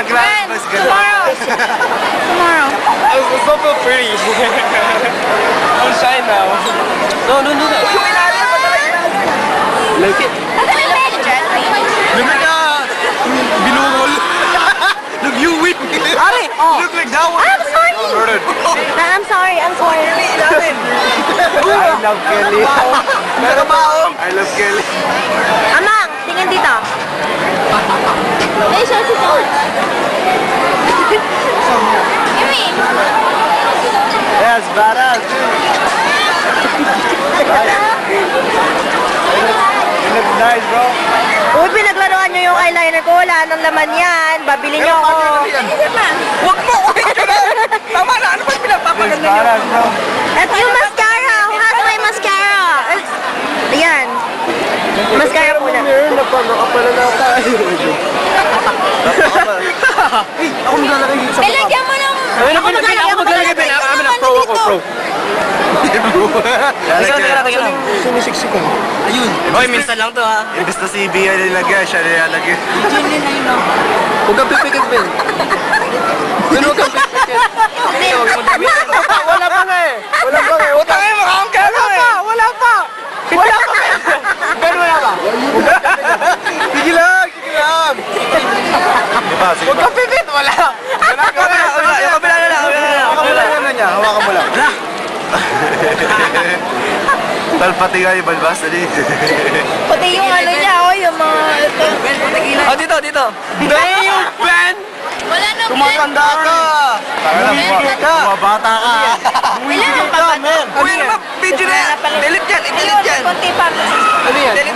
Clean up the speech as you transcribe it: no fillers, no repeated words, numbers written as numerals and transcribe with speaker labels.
Speaker 1: When? Tomorrow. Tomorrow.
Speaker 2: It's not so pretty. I'm shy now. No, no, no. Like it.
Speaker 3: Look like binungol. Look, you whip.
Speaker 1: Ari, oh.
Speaker 3: Look like that one.
Speaker 1: I'm sorry. I'm sorry. I'm sorry.
Speaker 2: I love Kelly. I love Kelly.
Speaker 1: Amang, tingin dito. Eh, siya si George. Yumi.
Speaker 2: Yes, badass. You look nice, bro.
Speaker 1: Uy, pinaglaruan nyo yung eyeliner ko. Wala nang laman yan. Babili nyo ako.
Speaker 3: Huwag mo. Tama na. Ano ba
Speaker 2: Yes,
Speaker 3: pinagpapaganda niyo?
Speaker 2: badass, bro.
Speaker 1: Ito yung mascara. Who has my mascara? Ayan. Mascara muna.
Speaker 2: Nakapala na ako.
Speaker 3: Ako maglalagay dito sa
Speaker 1: Ilagyan mo ng...
Speaker 2: Ako maglalagay. I'm a pro ako, pro. Sumisiksik ka.
Speaker 3: Ayun.
Speaker 2: Hoy, minsan lang to ha. Imbes na si Bia nilagay, siya nilalagay.
Speaker 3: Huwag kang pipikit, Ben. Ben, huwag kang pipikit.
Speaker 2: Wala pa nga eh. Wala pa nga eh.
Speaker 3: Utang eh, makakang ka na eh.
Speaker 2: Wala pa. Wala pa. Ben, wala pa.
Speaker 3: Sige lang, sige lang.
Speaker 2: Sige pa, sige
Speaker 3: Huwag kang pipikit, wala. Wala ka na.
Speaker 2: Yung kabila na lang. Hawakan mo lang niya. Hawakan mo lang. Tal, pati nga yung balbas na din.
Speaker 1: Pati yung ano niya, oh, yung mga... Ito.
Speaker 3: Oh, dito, dito. Ben, yung Ben.
Speaker 1: Wala nang...
Speaker 3: Tumatanda ka.
Speaker 2: Bumabata ka.
Speaker 1: Wala nang papato.
Speaker 3: Uy, ano ba? Video na yan. Delete yan, i-delete yan.
Speaker 1: Kunti pa.
Speaker 3: Ano yan?